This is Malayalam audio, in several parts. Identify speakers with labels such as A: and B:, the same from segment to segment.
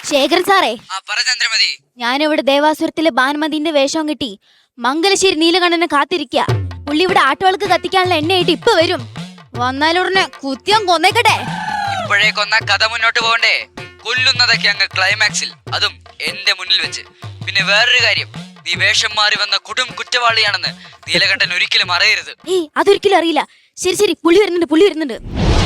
A: ശേഖരൻ സാറേ,
B: ചന്ദ്രമതി,
A: ഞാനിവിടെ ദേവാസുരത്തിലെ ഭാനുമതിന്റെ വേഷം കിട്ടി മംഗലശ്ശേരി നീലകണ്ഠനെ കാത്തിരിക്ക. പുള്ളി ഇവിടെ ആട്ടുകൾക്ക് കത്തിക്കാനുള്ള എണ്ണയായിട്ട് ഇപ്പൊ വരും. വന്നാലുടനെ കുത്തിയം കൊന്നേക്കട്ടെ.
B: ഇപ്പോഴേ കൊന്ന കഥ മുന്നോട്ട് പോകണ്ടേ? കൊല്ലുന്നതൊക്കെ അങ്ങ് ക്ലൈമാക്സിൽ, അതും എന്റെ മുന്നിൽ വെച്ച്. പിന്നെ വേറൊരു കാര്യം, നീ വേഷം മാറി വന്ന കൊടും കുറ്റവാളിയാണെന്ന് നീലകണ്ഠൻ ഒരിക്കലും അറിയരുത്.
A: ഏയ്, അതൊരിക്കലും അറിയില്ല. ശരി ശരി, പുള്ളി വരുന്നുണ്ട്.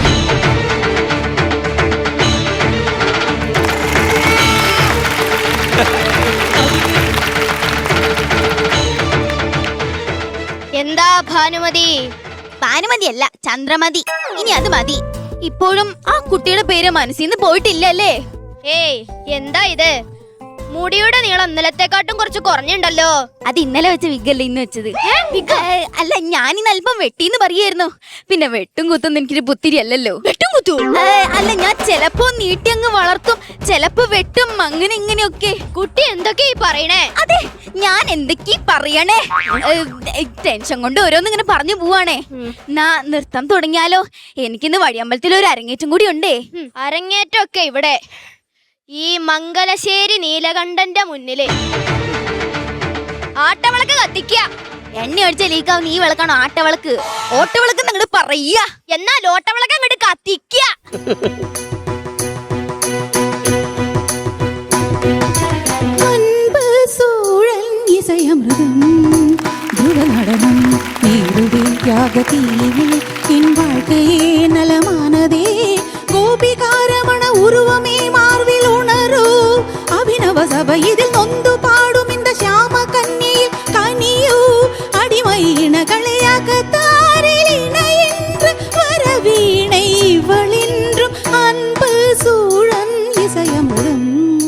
C: എന്താ ഭാനുമതി?
A: ഭാനുമതി അല്ല, ചന്ദ്രമതി. ഇനി അത് മതി. ഇപ്പോഴും ആ കുട്ടിയുടെ പേര് മനസ്സിന്ന് പോയിട്ടില്ലല്ലേ?
C: ഏയ്, എന്താ ഇത്? മുടിയുടെ നീളം ഇന്നലത്തെക്കാട്ടും കുറച്ച് കുറഞ്ഞുണ്ടല്ലോ.
A: അത് ഇന്നലെ വെച്ച വിഗല്ലേ ഇന്ന് വെച്ചത്? അല്ല, ഞാനിന്ന് അല്പം വെട്ടിന്ന് പറയായിരുന്നു. പിന്നെ വെട്ടും കുത്തും എനിക്കൊരു പുത്തിരി അല്ലല്ലോ.
C: വെട്ടും കുത്തു?
A: അല്ല, ഞാൻ ചെലപ്പോ നീട്ടി അങ്ങ് വളർത്തും, ചെലപ്പോ വെട്ടും, അങ്ങനെ ഇങ്ങനെയൊക്കെ.
C: കുട്ടി എന്തൊക്കെ ഈ പറയണേ?
A: അതെ, ഞാൻ എന്തൊക്കെ പറയണേ? ടെൻഷൻ കൊണ്ട് ഓരോന്നിങ്ങനെ പറഞ്ഞു പോവാണേ. നാ നൃത്തം തുടങ്ങിയാലോ? എനിക്കിന്ന് വഴിയമ്പലത്തിൽ ഒരു അരങ്ങേറ്റം കൂടി ഉണ്ടേ.
C: അരങ്ങേറ്റമൊക്കെ ഇവിടെ ഈ മംഗലശ്ശേരി നീലകണ്ഠന്റെ മുന്നില്. ആട്ടവിളക്ക് കത്തിക്ക.
A: എണ്ണ അടിച്ച ലീക്കാവും നീ വിളക്കാണോ ആട്ടവിളക്ക്? ഓട്ടവിളക്ക് അങ്ങോട്ട് പറയാ.
C: എന്നാൽ ഓട്ടവിളക്ക് അങ്ങോട്ട് കത്തിക്ക.
D: உருவமே மார்பில் உணரൂ அபிநவ சபையில் நொந்து பாடும் இந்த ஷாம கன்னியில் கனியூ அடிமை இனகளையாக தாரிலின என்று வரவீணை இவளென்றும் அன்பு சூழன் இசையமுடன்.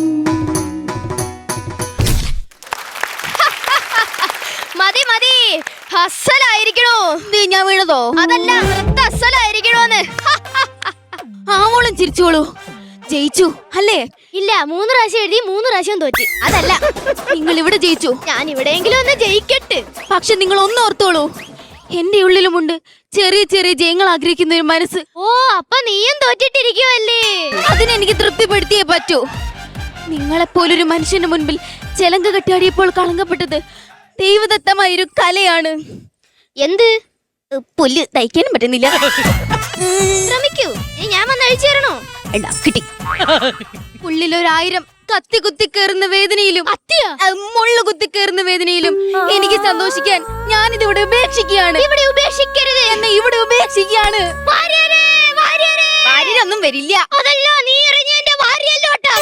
C: മതി മതി, അസലായിരിക്കണോ?
A: ഞാൻ വീണതോ?
C: അതല്ല, നൃത്ത അസലായിരിക്കണോന്ന്.
A: ആവോളം ചിരിച്ചോളൂ. ജയിച്ചു അല്ലേ?
C: ഇല്ല, 3 പ്രാവശ്യം എഴുതി 3 പ്രാവശ്യം തോറ്റി.
A: അതല്ല, നിങ്ങൾ ഇവിടെ ജയിച്ചു.
C: ഞാൻ ഇവിടെയെങ്കിലും ഒന്ന് ജയിക്കട്ടെ.
A: പക്ഷെ നിങ്ങൾ ഒന്ന് ഓർത്തോളൂ, എന്റെ ഉള്ളിലുമുണ്ട് ചെറിയ ചെറിയ ജയങ്ങൾ ആഗ്രഹിക്കുന്ന ഒരു മനസ്സ്.
C: ഓ, അപ്പൊ നീയും തോറ്റിട്ടിരിക്കുവല്ലേ?
A: അതിനെനിക്ക് തൃപ്തിപ്പെടുത്തിയേ പറ്റൂ. നിങ്ങളെപ്പോലൊരു മനുഷ്യന്റെ മുൻപിൽ ചെലങ്ക കെട്ടിയാടിയപ്പോൾ കളങ്കപ്പെട്ടത് ദൈവദത്തമായൊരു കലയാണ്.
C: എന്ത്?
A: പുല്ല് തയ്ക്കാനും പറ്റുന്നില്ല.
C: ശ്രമിക്കൂ, ഞാൻ വന്ന് അഴിച്ചു തരണോ?
A: കിട്ടി. ഉള്ളിലൊരായിരം കത്തി കുത്തി കയറുന്ന വേദനയിലും മുള്ളു കുത്തി കയറുന്ന വേദനയിലും എനിക്ക് സന്തോഷിക്കാൻ ഞാനിതിവിടെ ഉപേക്ഷിക്കുകയാണ്.
C: ഇവിടെ ഉപേക്ഷിക്കരുത്.
A: എന്നെ ഇവിടെ ഉപേക്ഷിക്കുകയാണ്. ഭാര്യയൊന്നും വരില്ല.
C: അതല്ല, നീ എറിഞ്ഞ എന്റെ ഭാര്യയല്ലോട്ടാ.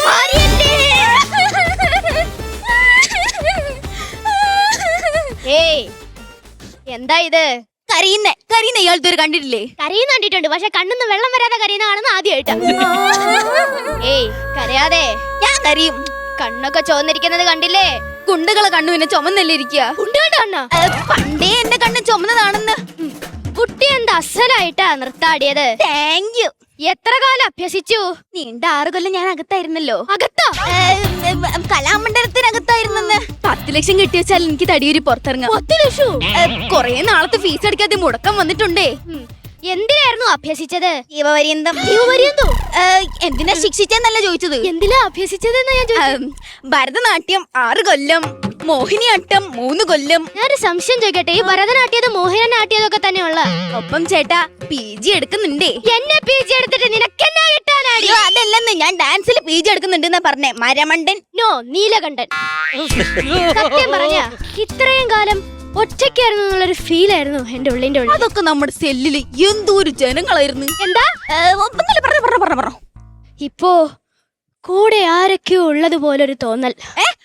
C: ഏയ്, എന്താ ഇത്?
A: കരയുന്ന ഇയാളത്തെ ഒരു കണ്ടിട്ടില്ലേ?
C: കരയുന്ന കണ്ടിട്ടുണ്ട്, പക്ഷെ കണ്ണിന്ന് വെള്ളം വരാതെ കരയുന്ന കാണുന്ന ആദ്യമായിട്ടാ. ഏയ്, കരയാതെ.
A: ഞാൻ കരയും.
C: കണ്ണൊക്കെ ചോന്നിരിക്കുന്നത് കണ്ടില്ലേ?
A: കുണ്ടുകളെ കണ്ണു പിന്നെ ചുമന്നല്ലേ ഇരിക്കുക? പണ്ടേ എന്റെ കണ്ണ് ചുമന്നതാണെന്ന്.
C: കുട്ടി എന്താ അസലായിട്ടാ നൃത്താടിയത്.
A: Thank you.
C: എത്ര കാലം അഭ്യസിച്ചു?
A: നീണ്ട 6 കൊല്ലം ഞാൻ അകത്തായിരുന്നല്ലോ.
C: അകത്താ?
A: കലാമണ്ഡലത്തിനകത്തായിരുന്നെന്ന്. 10 ലക്ഷം കിട്ടി വെച്ചാൽ എനിക്ക് തടിയൂരി പുറത്തിറങ്ങാം.
C: 10 ലക്ഷം?
A: കൊറേ നാളത്തെ ഫീസ് അടിക്കാതെ മുടക്കം വന്നിട്ടുണ്ടേ.
C: എന്തിനായിരുന്നു അഭ്യസിച്ചത്?
A: ജീവപര്യന്തം. എന്തിനാ ശിക്ഷിച്ചെന്നല്ല ചോദിച്ചത്.
C: എന്തിനാ അഭ്യസിച്ചതെന്ന് ഞാൻ ചോദിച്ചു.
A: ഭരതനാട്യം 6 കൊല്ലം, മോഹിനിയാട്ടം 3 കൊല്ലം.
C: ഞാനൊരു സംശയം ചോദിക്കട്ടെ, ഈ ഭരതനാട്യതും മോഹിനിയാട്ടതൊക്കെ തന്നെയുള്ള
A: ഒപ്പം ചേട്ടാ PG എടുക്കുന്നുണ്ടേ.
C: എന്നെ PG എടുത്തിട്ട് നിനക്കെന്നാ കിട്ടാനാടി?
A: അതല്ലെന്ന്, ഞാൻ ഡാൻസിൽ PG എടുക്കുന്നുണ്ടെന്നാ പറഞ്ഞേ. മരമണ്ടൻ.
C: നോ, നീലകണ്ഠൻ. സത്യം പറഞ്ഞ ഇത്രയും കാലം ഒറ്റയ്ക്കായിരുന്നു എന്നുള്ളൊരു ഫീൽ ആയിരുന്നു എന്റെ ഉള്ളിന്റെ ഉള്ളിൽ.
A: അതൊക്കെ നമ്മുടെ സെല്ലില് എന്തോരു ജനങ്ങളായിരുന്നു.
C: എന്താ?
A: പറഞ്ഞു.
C: ഇപ്പോ കൂടെ ആരൊക്കെയോ ഉള്ളത് പോലൊരു തോന്നൽ.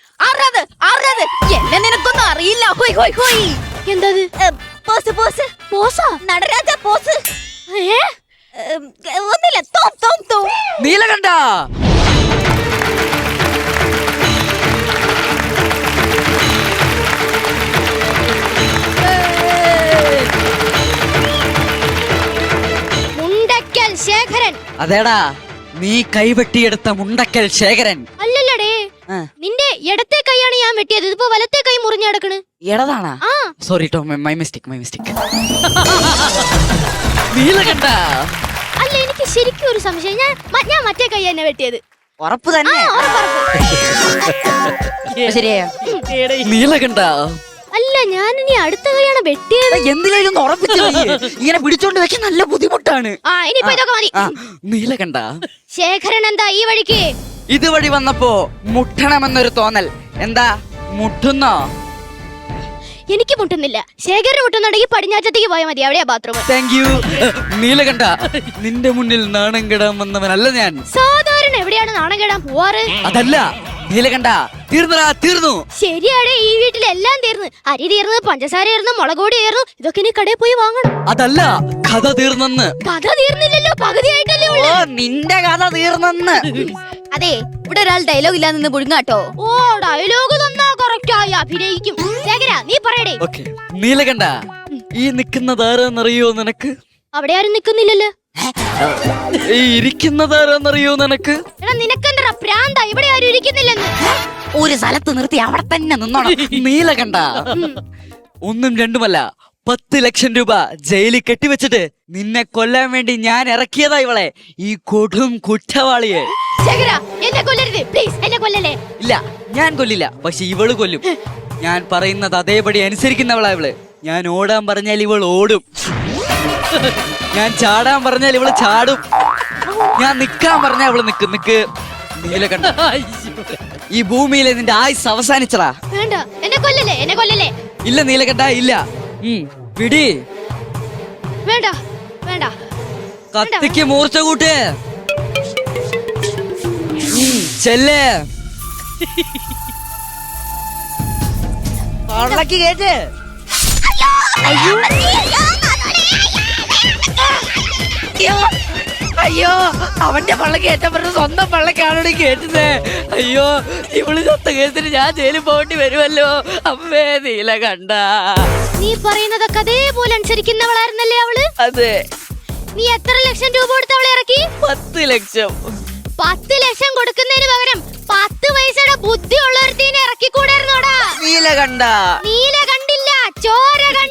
A: എന്നെ നിനക്കൊന്നും അറിയില്ല.
C: എന്താ?
A: നടരാജ പോസ്. ഒന്നില്ല.
B: നീലകണ്ഠ,
C: മുണ്ടക്കൽ ശേഖരൻ.
B: അതേടാ, നീ കൈവെട്ടിയെടുത്ത മുണ്ടക്കൽ ശേഖരൻ.
C: അല്ലല്ലടേ, നിന്റെ ഇടത്തെ കൈയാണ് ഞാൻ വെട്ടിയത്. ഇതിപ്പോ വലത്തെ കൈ മുറിഞ്ഞു കിടക്കണ്.
B: എടതാണാ? സോറി ടോ, മൈ മിസ്റ്റേക്ക്. നീലകണ്ഠ,
C: അല്ല, എനിക്ക് ശരിക്കും ഒരു സംശയം. ഞാൻ മറ്റേ കൈ തന്നെ വെട്ടിയത്.
B: ഉറപ്പ് തന്നെ?
C: ഉറപ്പ്.
A: ശരിയാ
B: നീലകണ്ഠ
C: അല്ല ഞാനിനി അടുത്ത കൈയാണ് വെട്ടിയത്.
B: എന്തിനും ഉറപ്പിച്ചു ഇങ്ങനെ പിടിച്ചോണ്ട് വെക്കാൻ നല്ല ബുദ്ധിമുട്ടാണ്.
C: ആ ഇനിയിപ്പോ ഇതൊക്കെ മതി.
B: നീലകണ്ഠ
C: ശേഖരൻ എന്താ ഈ വഴിക്ക്?
B: ഇതുവഴി വന്നപ്പോ മുട്ടണമെന്നൊരു തോന്നൽ. എന്താ മുട്ടുന്നോ?
C: എനിക്ക് മുട്ടുന്നില്ല. ശേഖരന് മുട്ടുന്നുണ്ടെങ്കിൽ പടിഞ്ഞാറ്റത്തേക്ക് പോയാൽ മതി, അവിടെയാ ബാത്റൂം.
B: Thank you Neelakanta. നിന്റെ മുന്നിൽ നാണം കെടാൻ വന്നവനല്ല ഞാൻ.
C: സാധാരണ എവിടെയാണ് നാണം കെടാൻ പോവാറ്?
B: അതല്ല നീലകണ്ഠ, തീർന്നടാ തീർന്നു.
C: ശരിയാടെ, ഈ വീട്ടിലെല്ലാം തീർന്ന്. അരി തീർന്ന്, പഞ്ചസാര തീർന്ന്, മുളകോടി തീർന്നു. ഇതൊക്കെ ഇനി കടയിൽ പോയി വാങ്ങണം.
B: അതല്ല കഥ തീർന്നെന്ന്.
C: കഥ തീർന്നില്ലല്ലോ, പകുതിയായിട്ടല്ലേ ഉള്ളൂ.
B: നിന്റെ കഥ തീർന്നെന്ന്.
A: അതെ, ഇവിടെ ഒരാൾ ഡയലോഗ് ഇല്ലാതെ നിന്ന് പുഴുങ്ങാട്ടോ.
C: ഓ ഡയലോഗ് തന്നാ കറക്റ്റ് ആയി അഭിനയിക്കും. ശേഖര നീ പറയടേ.
B: ഓക്കേ നീലകണ്ഠ, ഈ നിൽക്കുന്നതാരെന്നറിയോ നിനക്ക്?
C: അവിടെ ആരും നിക്കുന്നില്ലല്ലോ.
B: ഈ ഇരിക്കുന്നതാരെന്നറിയോ നിനക്ക്?
C: എടാ നിനക്കെന്താ പ്രാന്ത? ഇവിടെ ആരും ഇരിക്കുന്നില്ലെന്ന്.
A: ഒരു സ്ഥലത്ത് നിർത്തി അവിടെ തന്നെ നിന്നോണം.
B: നീലകണ്ഠ, ഒന്നും രണ്ടുമല്ല 10 ലക്ഷം രൂപ ജയിലിൽ കെട്ടിവെച്ചിട്ട് നിന്നെ കൊല്ലാൻ വേണ്ടി ഞാൻ ഇറക്കിയതാ ഇവളെ, ഈ കൊടും കുറ്റവാളിയെ.
C: ശേഖര എന്നെ കൊല്ലരുത് പ്ലീസ്, എന്നെ കൊല്ലല്ലേ.
B: ഇല്ല ഞാൻ കൊല്ലില്ല, പക്ഷെ ഇവള് കൊല്ലും. ഞാൻ പറയുന്നത് അതേപടി അനുസരിക്കുന്നവളാ ഇവള്. ഞാൻ ഓടാൻ പറഞ്ഞാൽ ഇവൾ ഓടും, ഞാൻ ചാടാൻ പറഞ്ഞാൽ ഇവള് ചാടും, ഞാൻ നിക്കാൻ പറഞ്ഞാൽ ഇവള് നിക്ക്. നീലകണ്ഠ, ഈ ഭൂമിയിലെ നിന്റെ ആയുസ് അവസാനിച്ചടാ.
C: വേണ്ട എന്നെ കൊല്ലല്ലേ, എന്നെ കൊല്ലല്ലേ.
B: ഇല്ല നീലകണ്ഠ ഇല്ല. പിടി.
C: വേണ്ട വേണ്ട.
B: കത്തിക്ക് മൂർച്ച കൂട്ട്. ചെല്ലേ പള്ളക്ക് കേട്ട്. അയ്യോ അവന്റെ പള്ളക്ക് ഏറ്റപ്പോ സ്വന്തം പള്ളക്കാണോട് കേട്ടത്. അയ്യോ ഇവള് ചത്ത കേസിന് ഞാൻ ജയിലിൽ പോകേണ്ടി വരുമല്ലോ. അമ്മേ നീലകണ്ഠ.
C: നീ പറയുന്നതൊക്കെ അതേപോലെ അനുസരിക്കുന്നവളായിരുന്നല്ലേ അവള്?
B: അതെ.
C: നീ എത്ര ലക്ഷം രൂപ കൊടുത്ത് അവളെ ഇറക്കി?
B: 10 ലക്ഷം.
C: 10 ലക്ഷം കൊടുക്കുന്നതിന് പകരം 10 പൈസയുടെ ബുദ്ധി ഉള്ളൊരുത്തീനെ ഇറക്കിക്കൂടായിരുന്നോടാ?
B: നീലകണ്ഠ.
C: നീല കണ്ടില്ല, ചോര